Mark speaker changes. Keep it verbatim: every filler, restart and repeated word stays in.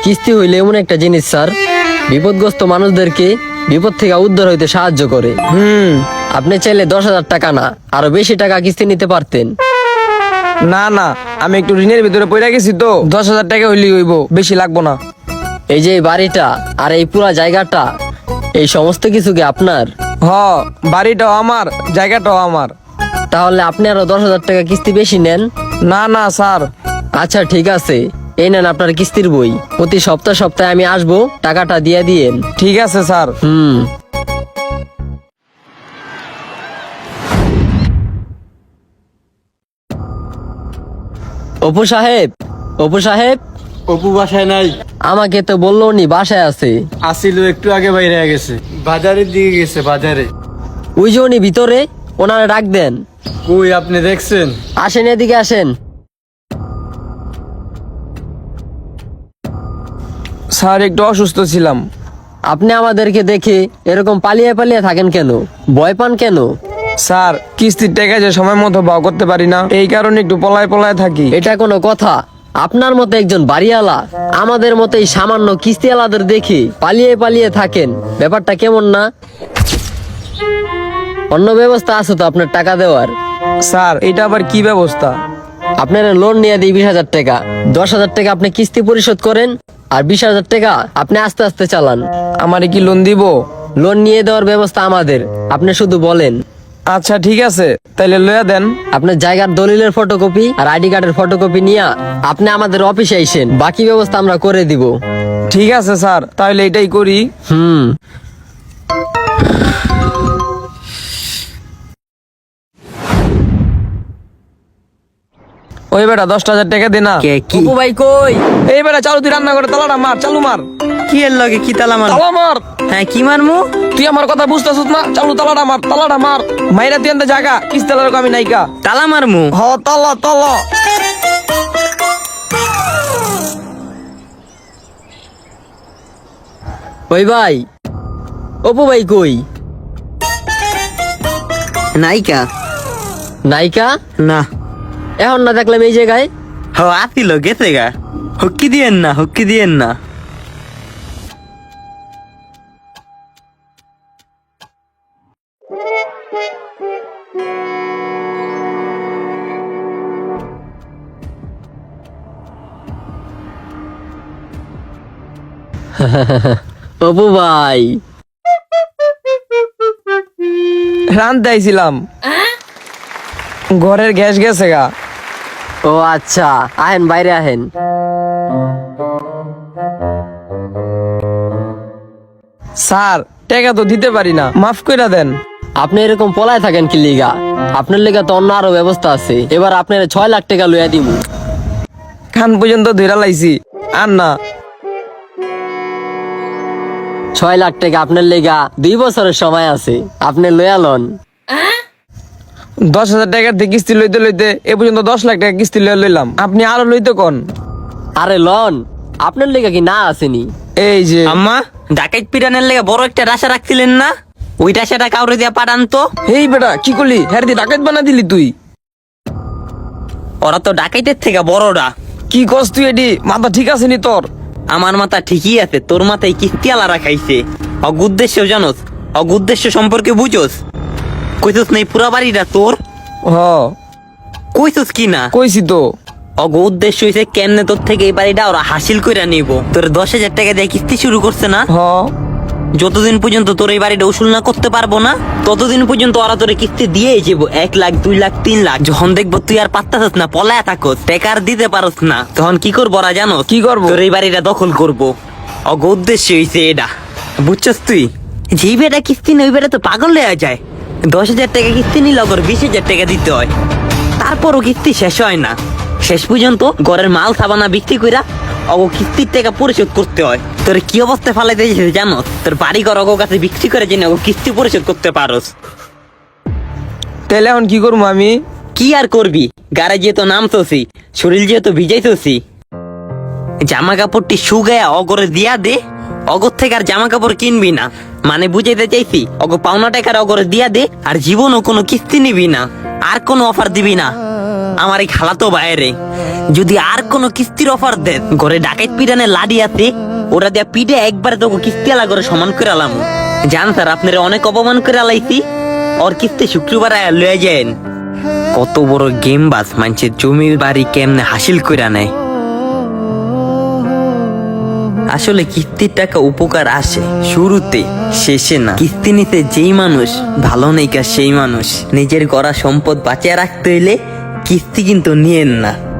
Speaker 1: কিস্তি হইলে এমন একটা জিনিস স্যার, বিপদগ্রস্ত মানুষদেরকে বিপদ থেকে উদ্ধার হইতে সাহায্য করে।
Speaker 2: হুম।
Speaker 1: আপনি চাইলে দশ হাজার টাকা না, আরো বেশি টাকা কিস্তি নিতে পারতেন।
Speaker 2: না না, আমি একটু ঋণের ভিতরে পড়ে গেছি তো, দশ হাজার টাকা হইলেই হইব, বেশি লাগবো না।
Speaker 1: এই যে এই বাড়িটা আর এই পুরা জায়গাটা, এই সমস্ত কিছু কি আপনার?
Speaker 2: হ, বাড়িটাও আমার, জায়গাটাও আমার।
Speaker 1: তাহলে আপনি আরো দশ হাজার টাকা কিস্তি বেশি নেন।
Speaker 2: না না স্যার।
Speaker 1: আচ্ছা ঠিক আছে, এই নেন আপনার কিস্তির বই। প্রতি সপ্তাহ সপ্তাহে আমি আসবো, টাকাটা দিয়ে দিয়েন।
Speaker 2: ঠিক আছে স্যার।
Speaker 1: হুম। অপু সাহেব, অপু সাহেব,
Speaker 3: অপু বাসায় নাই।
Speaker 1: আমাকে তো বললো উনি বাসায় আছে।
Speaker 3: আসিল একটু আগে বাইরে গেছে, বাজারের দিকে গেছে বাজারে।
Speaker 1: ওই যে উনি ভিতরে, ওনারা ডাক দেন।
Speaker 3: কই আপনি দেখছেন?
Speaker 1: আসেন এদিকে আসেন।
Speaker 2: স্যার একটু অসুস্থ ছিলাম।
Speaker 1: আপনি আমাদেরকে দেখে এরকম পালিয়ে পালিয়ে থাকেন কেন? ভয় পান কেন?
Speaker 2: স্যার কিস্তির টাকা যে সময় মতো বাও করতে পারি না, এই কারণে একটু পলায় পলায় থাকি।
Speaker 1: এটা কোনো কথা? আপনার মতো একজন বাড়িওয়ালা আমাদের মতো এই সামান্য কিস্তিওয়ালাদের দেখে পালিয়ে পালিয়ে থাকেন, ব্যাপারটা কেমন না? অন্য ব্যবস্থা আছে তো আপনার টাকা দেওয়ার?
Speaker 2: স্যার এটা আবার কি ব্যবস্থা?
Speaker 1: আপনার লোন নিয়ে দিই বিশ হাজার টাকা, দশ হাজার টাকা আপনি কিস্তি পরিশোধ করেন, আর বিশ হাজার টাকা আপনি আস্তে আস্তে চালান।
Speaker 2: আমারে কি লোন দিব?
Speaker 1: লোন নিয়ে দেওয়ার ব্যবস্থা আমাদের, আপনি শুধু বলেন।
Speaker 2: আচ্ছা ঠিক আছে, তাইলে লইয়া দেন।
Speaker 1: আপনার জায়গার দলিলের ফটোকপি আর আইডি কার্ডের ফটোকপি নিয়ে আপনি আমাদের অফিসে আইসেন, বাকি ব্যবস্থা আমরা করে দিব।
Speaker 2: ঠিক আছে স্যার, তাহলে এটাই করি।
Speaker 1: হুম।
Speaker 2: ওই বেটা দশটা হাজার টাকা দে না।
Speaker 1: অপু ভাই কই?
Speaker 2: এই বেটা চালু, তুই রান্না করে তালাটা মার, চালু মার।
Speaker 4: কি এর লগে কি তালা মার?
Speaker 2: তালা মার।
Speaker 4: হ্যাঁ কি মারমু?
Speaker 2: তুই আমার কথা বুঝতেছিস না? চালু তালাটা মার, তালাটা মার। মাইরা তুই এনতে জায়গা, কিস্তালার আমি নাইকা।
Speaker 4: তালা মারমু?
Speaker 2: হ তালা তালা।
Speaker 1: ওই ভাই, অপু ভাই কই?
Speaker 4: নাইকা।
Speaker 1: নায়িকা
Speaker 4: না।
Speaker 1: এখন না দেখলাম এই জায়গায়।
Speaker 4: হ আসিল, গেছে গা। হুক্কি দিয়েন না, হুক্কি দিয়েন না।
Speaker 1: অপু ভাই,
Speaker 2: রানতে আইছিলাম, ঘরের গ্যাস গেছে গা।
Speaker 1: ও আচ্ছা, আহেন বাইরে আহেন।
Speaker 2: স্যার টাকা তো দিতে পারি না, মাফ কইরা দেন।
Speaker 1: আপনি এরকম পলায় থাকেন কি লিগা? আপনার লিগা তো অন্য আরো ব্যবস্থা আছে। এবার আপনার ছয় লাখ টাকা লইয়া দিব।
Speaker 2: খান পর্যন্ত ধইরা লাইছি, আর না।
Speaker 1: ছয় লাখ টাকা আপনার লিগা দুই বছরের সময় আছে, আপনি লইয়া লন।
Speaker 2: দশ হাজার টাকার থেকে কিস্তি লইতে লইতে এ পর্যন্ত দশ লাখ টাকা কিস্তি লইয়া লইলাম, আপনি আরো লইতে কোন?
Speaker 1: আরে লন, আপনার লিগা কি না আসেনি?
Speaker 2: এই যে
Speaker 4: আম্মা, ডাকাইত পিটানের লেগে বড় একটা রাশা রাখছিলেন না? ওই রাশাটা কাউরে দিয়া পাঠান তো।
Speaker 2: এই বেটা কি করলি? হ্যাঁ দি ডাকাত বানা দিলি তুই।
Speaker 4: ওরা তো ডাকাইতের থেকে বড়রা।
Speaker 2: কি কস তুই? এটি মাথা ঠিক আছে নি তোর?
Speaker 4: আমার মাথা ঠিকই আছে, তোর মাথায় কিস্তি আলা রাখাইছে। অগ উদ্দেশ্য জানোস? অগ উদ্দেশ্য সম্পর্কে বুঝোস? কইছস নাই পুরা বাড়িটা তোর?
Speaker 2: হ
Speaker 4: কইছস কি না?
Speaker 2: কইছি তো।
Speaker 4: অগ উদ্দেশ্য হইছে কেমনে তোর থেকে এই বাড়িটা ওরা হাসিল কইরা নিব। তোর দশ হাজার টাকা দিয়ে কিস্তি শুরু করছে না?
Speaker 2: হ
Speaker 4: যতদিন পর্যন্ত তোর এই বাড়িটা উসুল না করতে পারবো না, ততদিন পর্যন্ত ওরা তোর কিস্তি দিয়েই যাবো। এক লাখ, দুই লাখ, তিন লাখ। যখন দেখবো তুই আর পাত্তাছিস না, পলায়া থাকস, টেকার দিতে পারস না, তখন কি করবো ওরা জানো?
Speaker 2: কি করবো?
Speaker 4: তোর এই বাড়িটা দখল করবো। অগ উদ্দেশ্য হইছে এটা, বুঝছস তুই? যেই বেটা কিস্তি নেই ওই বেটা তো পাগল হয়ে যায়। দশ হাজার টাকা কিস্তি নিলে ওর বিশ হাজার টাকা দিতে হয়, তারপরও কিস্তি শেষ হয় না। শেষ পর্যন্ত ঘরের মাল সাবানা বিক্রি কইরা অগো কিস্তির টাকা পরিশোধ করতে হয়। তোর কি অবস্থায় ফালাইতে জানো? তোর বাড়ি ঘর অগো কাছে বিক্রি করে জেনে অগো কিস্তি পরিশোধ করতে পারোস।
Speaker 2: তাহলে এখন কি করবো আমি?
Speaker 4: কি আর করবি? গাড়ি যেহেতু নামতোছি, শরীর যেহেতু ভিজাইতোছি, জামা কাপড়টি শুগায়া অগরে দিয়া দে। অগর থেকে আর জামা কাপড় কিনবি না, মানে বুঝাইতে চাইছি অগো পাওনা টাকার অগরে দিয়া দে, আর জীবনও কোনো কিস্তি নিবি না, আর কোনো অফার দিবি না। আমার এই খালাতো বাইরে যদি আর কোনো কিস্তির অফার দেন, ঘরে ডাকাত পিটানে লাডি আছে, ওরা দিয়া পিঠে একবারে তো কিস্তি আলা করে সমান করে আলাম। জান স্যার আপনারা অনেক অপমান করে আলাইছি, ওর কিস্তি শুক্রবার আয়া লয়ে যান। কত বড় গেম বাস, মানুষের জমি বাড়ি কেমনে হাসিল করে নেয়। আসলে কিস্তির টাকা উপকার আসে শুরুতে, শেষে না। কিস্তি নিতে যেই মানুষ ভালো নেই কা সেই মানুষ। নিজের গড়া সম্পদ বাঁচিয়ে রাখতে হইলে কিস্তি কিন্তু নিয়েন না।